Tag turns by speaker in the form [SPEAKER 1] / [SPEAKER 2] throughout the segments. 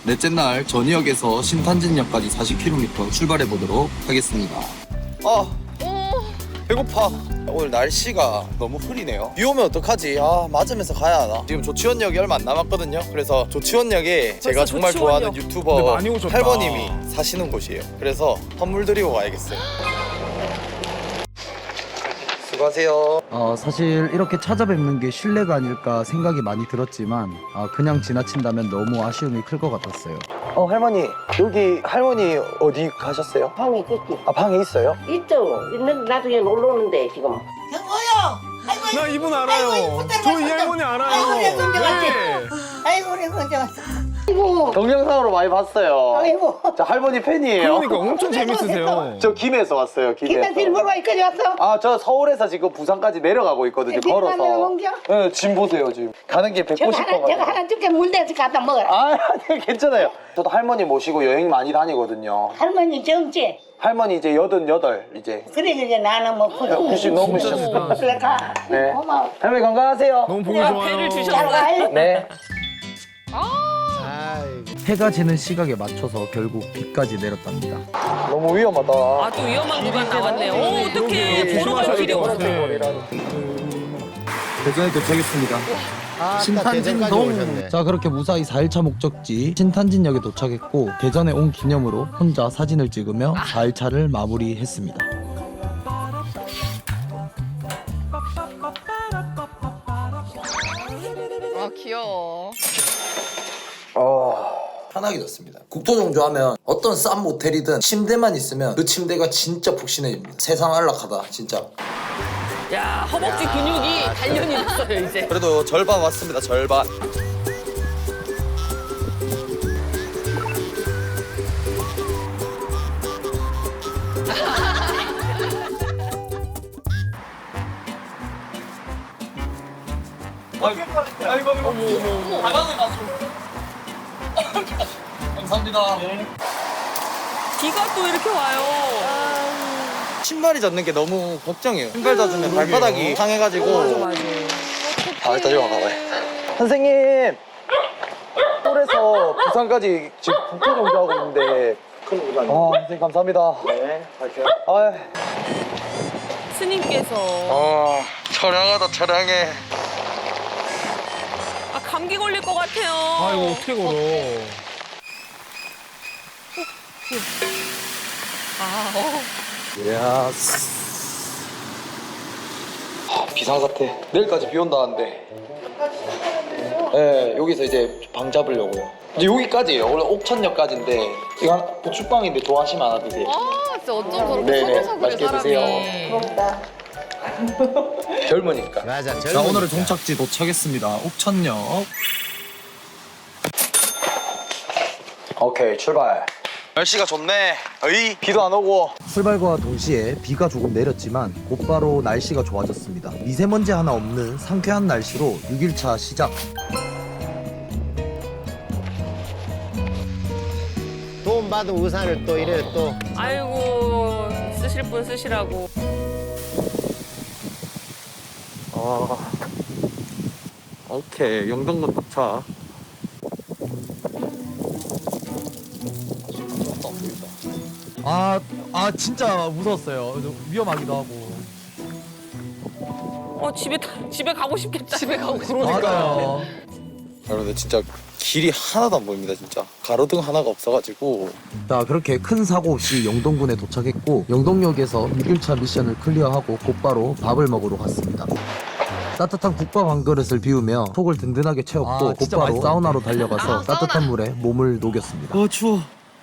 [SPEAKER 1] 넷째 날 전이역에서 신탄진역까지 40km 출발해 보도록 하겠습니다. 배고파. 오늘 날씨가 너무 흐리네요. 비 오면 어떡하지? 맞으면서 가야 하나? 지금 조치원역이 얼마 안 남았거든요. 그래서 조치원역에 제가 정말 좋아하는
[SPEAKER 2] 근데
[SPEAKER 1] 유튜버
[SPEAKER 2] 많이 오셨다.
[SPEAKER 1] 할머님이 사시는 곳이에요. 그래서 선물 드리고 가야겠어요. 수고하세요.
[SPEAKER 3] 사실 이렇게 찾아뵙는 게 신뢰가 아닐까 생각이 많이 들었지만 그냥 지나친다면 너무 아쉬움이 클 것 같았어요.
[SPEAKER 1] 할머니, 여기 할머니 어디 가셨어요?
[SPEAKER 4] 방에 있겠지.
[SPEAKER 1] 방에 있어요?
[SPEAKER 4] 있죠. 있는데 나중에 놀러 오는데 지금.
[SPEAKER 5] 여보요.
[SPEAKER 2] 나 이분 알아요.
[SPEAKER 5] 아이고,
[SPEAKER 2] 저 이 할머니 알아요.
[SPEAKER 5] 아이고, 내 손자 왔지?
[SPEAKER 2] 네.
[SPEAKER 5] 아이고 우리 혼자 왔어.
[SPEAKER 4] 아이고.
[SPEAKER 1] 동영상으로 많이 봤어요.
[SPEAKER 5] 아이고.
[SPEAKER 1] 저 할머니 팬이에요.
[SPEAKER 2] 그러니까 엄청 재밌으세요.
[SPEAKER 1] 저 김해에서 왔어요.
[SPEAKER 5] 김에 빌보로 여기까지 왔어.
[SPEAKER 1] 저 서울에서 지금 부산까지 내려가고 있거든요. 걸어서. 네, 짐 보세요 지금. 가는 게
[SPEAKER 5] 저거
[SPEAKER 1] 190번
[SPEAKER 5] 하나 저거 하나 줄게 물대서 갖다 먹어라.
[SPEAKER 1] 네, 괜찮아요. 저도 할머니 모시고 여행 많이 다니거든요.
[SPEAKER 5] 할머니 정지.
[SPEAKER 1] 할머니 이제 88 이제.
[SPEAKER 5] 그래 이제 나는 뭐
[SPEAKER 1] 90 넘으셨어요.
[SPEAKER 5] 그래 가.
[SPEAKER 1] 네.
[SPEAKER 5] 고마워.
[SPEAKER 1] 할머니 건강하세요.
[SPEAKER 2] 너무 보기 좋아요.
[SPEAKER 6] 배를
[SPEAKER 5] 잘
[SPEAKER 6] 주셨어요.
[SPEAKER 5] 가.
[SPEAKER 1] 네.
[SPEAKER 3] 해가 지는 시각에 맞춰서 결국 비까지 내렸답니다.
[SPEAKER 1] 너무 위험하다.
[SPEAKER 6] 아, 또 위험한 구간 나왔네요. 오, 어떡해. 보러 갈 길이 없어.
[SPEAKER 1] 대전에 도착했습니다.
[SPEAKER 3] 신탄진동. 자, 그렇게 무사히 4일차 목적지 신탄진역에 도착했고 대전에 온 기념으로 혼자 사진을 찍으며 4일차를 마무리했습니다.
[SPEAKER 6] 아, 귀여워.
[SPEAKER 3] 편하게 잤습니다. 국토종조하면 어떤 싼 모텔이든 침대만 있으면 그 침대가 진짜 푹신해집니다. 세상 안락하다 진짜.
[SPEAKER 6] 야, 허벅지 근육이 단련이 됐어요, 이제.
[SPEAKER 1] 그래도 절반 왔습니다. 절반. 감사합니다.
[SPEAKER 6] 비가 또 이렇게 와요.
[SPEAKER 1] 신발이 젖는 게 너무 걱정이에요. 신발 젖으면 발바닥이 상해가지고. 일단 여기 가봐요. 선생님! 서울에서 부산까지 지금 국토종조하고 있는데 선생님 감사합니다. 네, 갈게요.
[SPEAKER 6] 스님께서.
[SPEAKER 1] 촬영하다 촬영해.
[SPEAKER 6] 아, 감기 걸릴 것 같아요.
[SPEAKER 2] 아, 이거 어떻게 걸어.
[SPEAKER 1] 이야. 비상사태. 내일까지 비 온다는데. 네, 여기서 이제 방 잡으려고요. 이제 여기까지예요. 원래 옥천역까지인데 이거 부추빵인데 좋아하시면 하나 드세요.
[SPEAKER 6] 아, 진짜 어쩜 저렇게
[SPEAKER 1] 네네,
[SPEAKER 6] 서글서글해,
[SPEAKER 1] 맛있게 드세요.
[SPEAKER 6] 사람이.
[SPEAKER 1] 젊으니까.
[SPEAKER 7] 맞아.
[SPEAKER 3] 자, 오늘의 종착지 도착했습니다. 옥천역.
[SPEAKER 1] 오케이, 출발. 날씨가 좋네. 어이, 비도 안 오고.
[SPEAKER 3] 출발과 동시에 비가 조금 내렸지만 곧바로 날씨가 좋아졌습니다. 미세먼지 하나 없는 상쾌한 날씨로 6일차 시작.
[SPEAKER 7] 돈 받은 우산을 또 이래 또.
[SPEAKER 6] 아이고, 쓰실 분 쓰시라고.
[SPEAKER 1] 오케이, 영동군 도착.
[SPEAKER 3] 진짜 무서웠어요. 위험하기도 하고.
[SPEAKER 6] 집에 가고 싶겠다. 집에 가고 싶다.
[SPEAKER 3] 맞아요.
[SPEAKER 1] 여러분들 진짜 길이 하나도 안 보입니다. 진짜 가로등 하나가 없어가지고.
[SPEAKER 3] 자, 그렇게 큰 사고 없이 영동군에 도착했고 영동역에서 6일차 미션을 클리어하고 곧바로 밥을 먹으러 갔습니다. 따뜻한 국밥 한 그릇을 비우며 속을 든든하게 채웠고 곧바로 사우나로 달려가서 따뜻한 물에 몸을 녹였습니다.
[SPEAKER 1] 추워.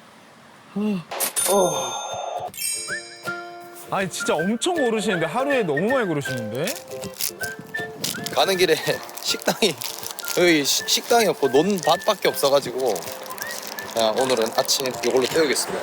[SPEAKER 2] 아니, 진짜 엄청 오르시는데 하루에 너무 많이 걸으시는데?
[SPEAKER 1] 가는 길에 식당이 여기 식당이 없고 논밭밖에 없어가지고 그냥 오늘은 아침 이걸로 때우겠습니다.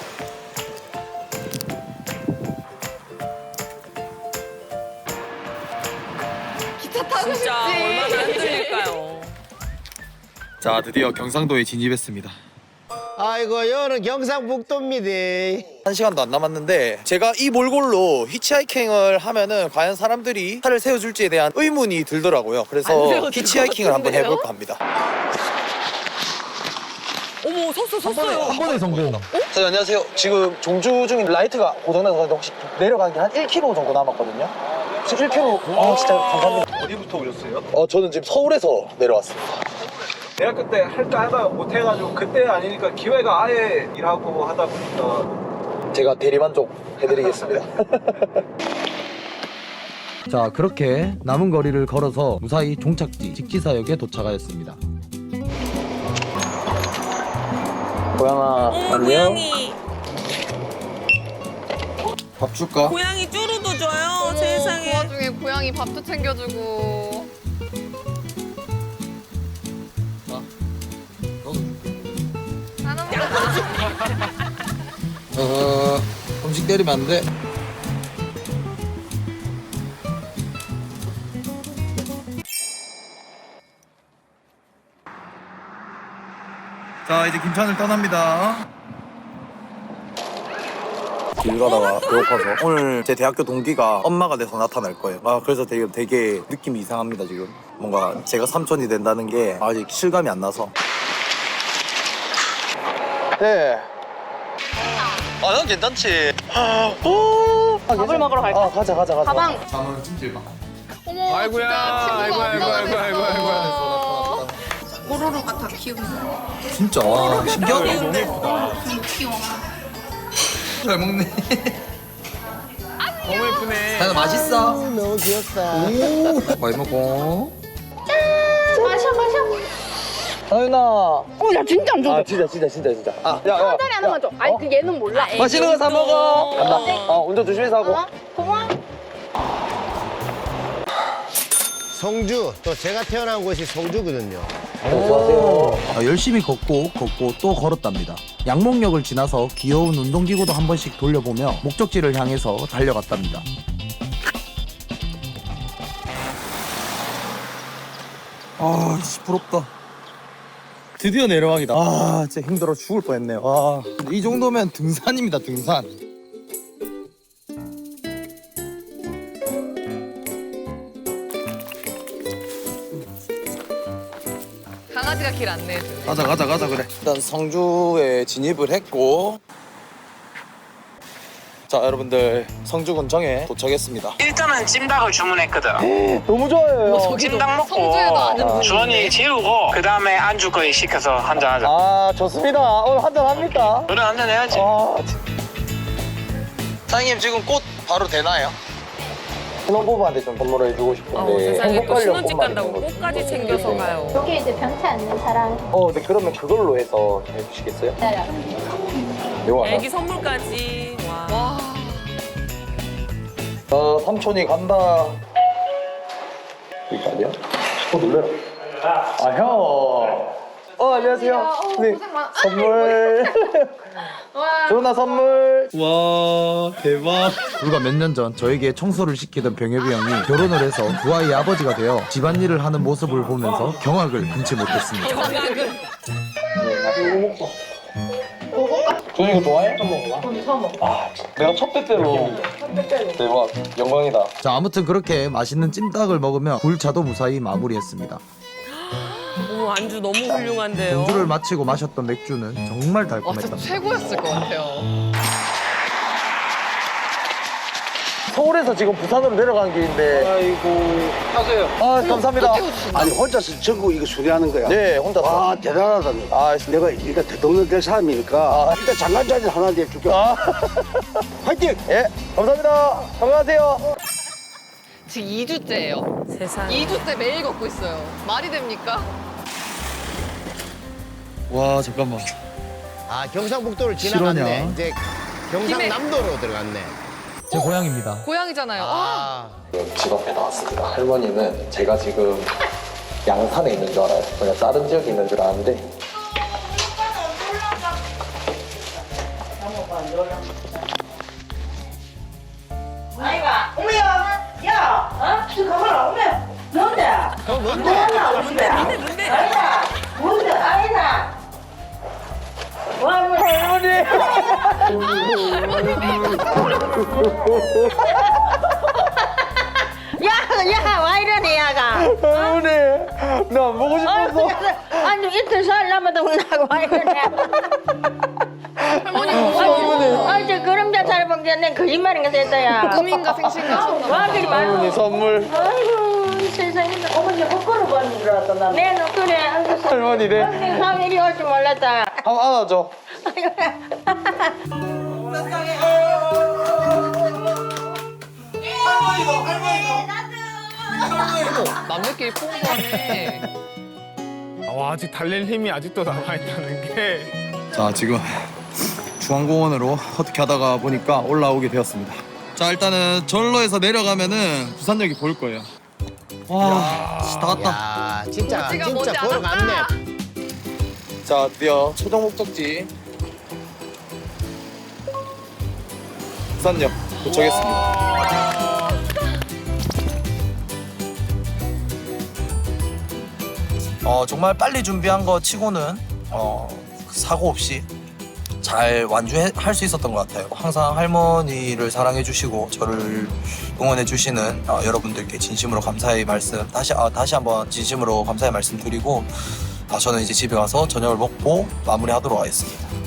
[SPEAKER 6] 진짜 얼마나 힘들릴까요?
[SPEAKER 1] 자, 드디어 경상도에 진입했습니다.
[SPEAKER 7] 아이고 여는 경상북도입니다.
[SPEAKER 1] 1시간도 안 남았는데 제가 이 몰골로 히치하이킹을 하면은 과연 사람들이 차를 세워줄지에 대한 의문이 들더라고요.
[SPEAKER 6] 안
[SPEAKER 1] 그래서
[SPEAKER 6] 세워줄 것
[SPEAKER 1] 히치하이킹을 한번
[SPEAKER 6] 같은데요?
[SPEAKER 1] 해볼까 합니다.
[SPEAKER 6] 어머, 오, 섰어요.
[SPEAKER 3] 한 번에 성공.
[SPEAKER 1] 선생님 안녕하세요. 지금 종주 중인 라이트가 고장나서 그런데 혹시 내려간 게 한 1km 정도 남았거든요. 혹시 1km? 아 진짜 감사합니다.
[SPEAKER 2] 어디부터 오셨어요?
[SPEAKER 1] 저는 지금 서울에서 내려왔습니다.
[SPEAKER 2] 대학교 때 할까 하다 못해가지고 그때 아니니까 기회가 아예 일하고 하다 보니까
[SPEAKER 1] 제가 대리만족 해드리겠습니다.
[SPEAKER 3] 자, 그렇게 남은 거리를 걸어서 무사히 종착지 직지사역에 도착하였습니다.
[SPEAKER 1] 고양아 안녕.
[SPEAKER 6] 고양이.
[SPEAKER 1] 밥 줄까?
[SPEAKER 6] 고양이 쭈루도 줘요. 세상에.
[SPEAKER 8] 그 와중에 고양이 밥도 챙겨주고. 하나만
[SPEAKER 3] 음식 때리면 안 돼.
[SPEAKER 1] 자 이제 김천을 떠납니다. 길 가다가 배고파서 오늘 제 대학교 동기가 엄마가 돼서 나타날 거예요. 그래서 되게 느낌이 이상합니다 지금. 뭔가 제가 삼촌이 된다는 게 아직 실감이 안 나서. 네. 난 괜찮지.
[SPEAKER 6] 밥을 먹으러 갈까?
[SPEAKER 1] 가자.
[SPEAKER 8] 가방.
[SPEAKER 1] 잠은 찜질방.
[SPEAKER 8] 어머.
[SPEAKER 2] 아이고야,
[SPEAKER 8] 진짜 친구가
[SPEAKER 2] 아이고.
[SPEAKER 8] 없어가지고. 뽀로로가 다 키우고.
[SPEAKER 1] 진짜 와 신기하다.
[SPEAKER 2] 너무 예쁘다.
[SPEAKER 8] 귀여워.
[SPEAKER 3] 잘 먹네.
[SPEAKER 2] 너무 예쁘네.
[SPEAKER 3] 나 맛있어.
[SPEAKER 7] 너무 귀엽다.
[SPEAKER 3] 많이 먹어.
[SPEAKER 8] 마셔.
[SPEAKER 1] 하윤아.
[SPEAKER 5] 야 진짜 안 좋아.
[SPEAKER 1] 진짜. 야.
[SPEAKER 8] 한 달에 하나만 줘. 아니 그 얘는 몰라.
[SPEAKER 1] 맛있는 거 사 먹어. 간다. 운전 조심해서 하고.
[SPEAKER 8] 고마워.
[SPEAKER 7] 성주 또 제가 태어난 곳이 성주거든요.
[SPEAKER 1] 수고하세요.
[SPEAKER 3] 열심히 걷고 또 걸었답니다. 양목역을 지나서 귀여운 운동기구도 한 번씩 돌려보며 목적지를 향해서 달려갔답니다. 부럽다.
[SPEAKER 1] 드디어 내려가기다. 진짜 힘들어 죽을 뻔했네요.
[SPEAKER 3] 이 정도면 등산입니다, 등산.
[SPEAKER 8] 강아지가 길 안내해주네.
[SPEAKER 1] 가자 그래. 일단 성주에 진입을 했고, 자 여러분들 성주군청에 도착했습니다.
[SPEAKER 9] 일단은 찜닭을 주문했거든.
[SPEAKER 1] 너무 좋아요.
[SPEAKER 9] 찜닭 먹고
[SPEAKER 8] 성주에도 아는 분이
[SPEAKER 9] 주원이 재우고 그 다음에 안주거리 시켜서 한잔하자.
[SPEAKER 1] 좋습니다. 오늘 한잔 합니까?
[SPEAKER 9] 노래 한잔 해야지.
[SPEAKER 1] 사장님 지금 꽃 바로 되나요? 신혼부부한테 좀 선물을 해주고 싶은데
[SPEAKER 6] 세상에 또 신혼집
[SPEAKER 1] 꽃말이
[SPEAKER 6] 간다고
[SPEAKER 1] 있는 거지.
[SPEAKER 6] 꽃까지 챙겨서 가요.
[SPEAKER 10] 여기 이제 병치 않는 사람
[SPEAKER 1] 네 그러면 그걸로 해서 해주시겠어요?
[SPEAKER 10] 기다려.
[SPEAKER 1] 이거 하나.
[SPEAKER 6] 애기 선물까지. 와.
[SPEAKER 1] 삼촌이 간다. 이거 아니야? 놀래라. 형. 안녕하세요. 네.
[SPEAKER 8] 고생 많아.
[SPEAKER 1] 선물.
[SPEAKER 8] 와.
[SPEAKER 1] 조나 선물. 와 대박.
[SPEAKER 3] 불과 몇 년 전 저에게 청소를 시키던 병엽이 형이 결혼을 해서 두 아이의 아버지가 되어 집안일을 하는 모습을 보면서 경악을 금치 못했습니다.
[SPEAKER 1] 조나 이거 좋아해? 처음 먹어. 내가 첫 빼빼로. 대박. 영광이다.
[SPEAKER 3] 자, 아무튼 그렇게 맛있는 찜닭을 먹으며 굴차도 무사히 마무리했습니다.
[SPEAKER 6] 오, 안주 너무 훌륭한데요.
[SPEAKER 3] 경주를 마치고 마셨던 맥주는 정말
[SPEAKER 8] 와 진짜
[SPEAKER 3] 달콤했답니다.
[SPEAKER 8] 최고였을 것 같아요.
[SPEAKER 1] 서울에서 지금 부산으로 내려가는 길인데.
[SPEAKER 2] 아이고 타세요.
[SPEAKER 1] 감사합니다.
[SPEAKER 7] 아니 혼자서 전국 이거 수리하는 거야?
[SPEAKER 1] 네, 혼자서.
[SPEAKER 7] 아 대단하다. 내가 일단 대통령 될 사람이니까 일단 장관자리 하나 내줄게. 화이팅!
[SPEAKER 1] 예, 감사합니다. 건강하세요.
[SPEAKER 8] 지금 2주째예요.
[SPEAKER 6] 세상에.
[SPEAKER 8] 2주째 매일 걷고 있어요. 말이 됩니까?
[SPEAKER 3] 와, 잠깐만.
[SPEAKER 7] 경상북도를 지나갔네.
[SPEAKER 3] 실화냐?
[SPEAKER 7] 이제 경상남도로 들어갔네.
[SPEAKER 3] 제 고향입니다.
[SPEAKER 8] 고양이잖아요.
[SPEAKER 1] 집 앞에 나왔습니다. 할머니는 제가 지금 양산에 있는 줄 알아요. 그냥 다른 지역에 있는 줄 아는데.
[SPEAKER 5] 아이가 어머야 야 저 가봐라 어머야 뭔데? 뭔데? 아이가 뭔데? 아이가 야, 와 이러네, 야가.
[SPEAKER 1] 할머니, 나 안 보고 싶었어.
[SPEAKER 5] 아주 이틀 살라마도 나고
[SPEAKER 8] 할머니 무서워.
[SPEAKER 5] 아, 저 그림자 잘 본게내 거짓말인가 됐다야.
[SPEAKER 8] 꿈인가 생신가
[SPEAKER 5] 와들이 말고.
[SPEAKER 2] 선물.
[SPEAKER 5] 아이고, 세상에. 어머니 헛걸음 받는 줄 알았다, 나. 네, 너 그래.
[SPEAKER 2] 할머니네.
[SPEAKER 5] 할머니 사람 이리 올 줄 몰랐다.
[SPEAKER 2] 한번 안아줘.
[SPEAKER 8] 남들끼리 포옹하네.
[SPEAKER 2] 아직 달릴 힘이 아직도 남아있다는 게.
[SPEAKER 1] 자, 지금 중앙공원으로 어떻게 하다가 보니까 올라오게 되었습니다. 자, 일단은 절로에서 내려가면은 부산역이 보일 거예요. 와, 다 왔다.
[SPEAKER 7] 야, 진짜
[SPEAKER 8] 멋지가
[SPEAKER 7] 진짜
[SPEAKER 8] 머지
[SPEAKER 7] 보러 갔네.
[SPEAKER 8] 않았다.
[SPEAKER 1] 자, 드디어 최종 목적지 부산역 도착했습니다. 정말 빨리 준비한 거 치고는 사고 없이 잘 완주할 수 있었던 것 같아요. 항상 할머니를 사랑해 주시고 저를 응원해 주시는 여러분들께 진심으로 감사의 말씀 다시 한번 진심으로 감사의 말씀 드리고 저는 이제 집에 가서 저녁을 먹고 마무리하도록 하겠습니다.